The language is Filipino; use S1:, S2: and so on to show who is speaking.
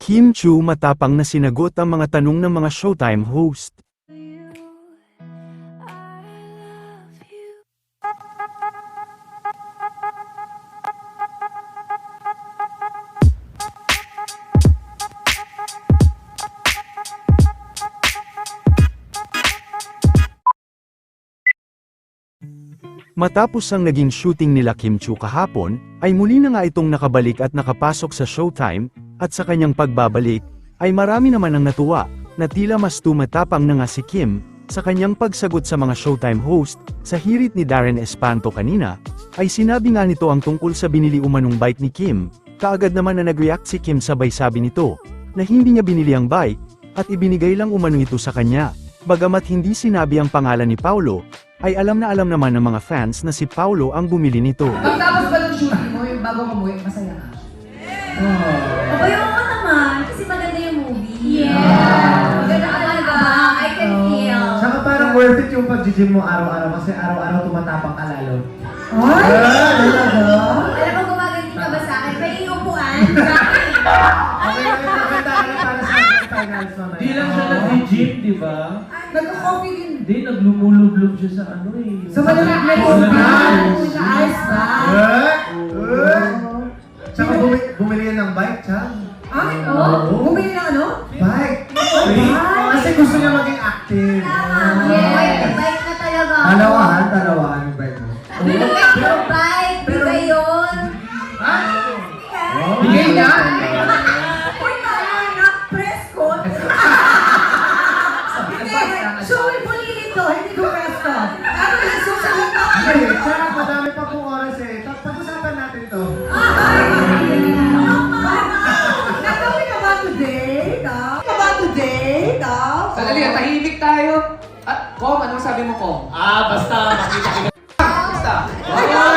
S1: Kim Chu matapang na sinagot ang mga tanong ng mga Showtime host. Matapos ang naging shooting nila Kim Chu kahapon, ay muli na nga itong nakabalik at nakapasok sa Showtime, at sa kanyang pagbabalik, ay marami naman ang natuwa, na tila mas tumatapang na nga si Kim, sa kanyang pagsagot sa mga Showtime host, sa hirit ni Darren Espanto kanina, ay sinabi nga nito ang tungkol sa binili umanong bike ni Kim, kaagad naman na nag-react si Kim sabay sabi nito, na hindi niya binili ang bike, at ibinigay lang umano ito sa kanya, bagamat hindi sinabi ang pangalan ni Paulo, ay alam naman ng mga fans na si Paulo ang bumili nito.
S2: Pagtapos ba ng shooting mo, yung bago ka umuwi, masaya ka?
S3: Abay, oo naman, kasi maganda yung movie.
S2: Yeah.
S3: Maganda talaga, I can feel.
S4: Saka parang worth it yung pag-gym mo araw-araw kasi araw-araw tumatapang ka lalo.
S2: Ay! Talaga?
S3: Alam mo, gumaganti ka ba sa akin? May iupuan.
S4: Okay, maganda ka na para sa finals mamaya.
S5: Di lang siya nag-gym, di ba?
S2: Nagka-coffee din.
S5: Hindi, naglumulublob siya sa ano eh.
S2: Sa malamig na yung sa ice ba?
S4: Tsaka bumili yan ng bike, Chang.
S2: Ay, oo? Bumili ng ano?
S4: Bike! Kasi gusto niya maging active.
S3: Yes, bike na talaga.
S4: Dalawahan yung bike mo.
S3: Pero bike, bigay yun.
S2: Bigay na?
S3: Uy, na press ko.
S2: Showy bulili ito, hindi ko presto. Ano yung susunod na?
S4: Ay, tsaka madami pa pong oras eh. Pag-usapan natin to.
S2: Nagawin ka ba today, Dom? Ka ba today, Dom?
S6: Sandali, tahimik tayo. At, Kom, anong sabi mo, Kom?
S5: Basta makita kita.
S6: Basta.
S2: Ayun!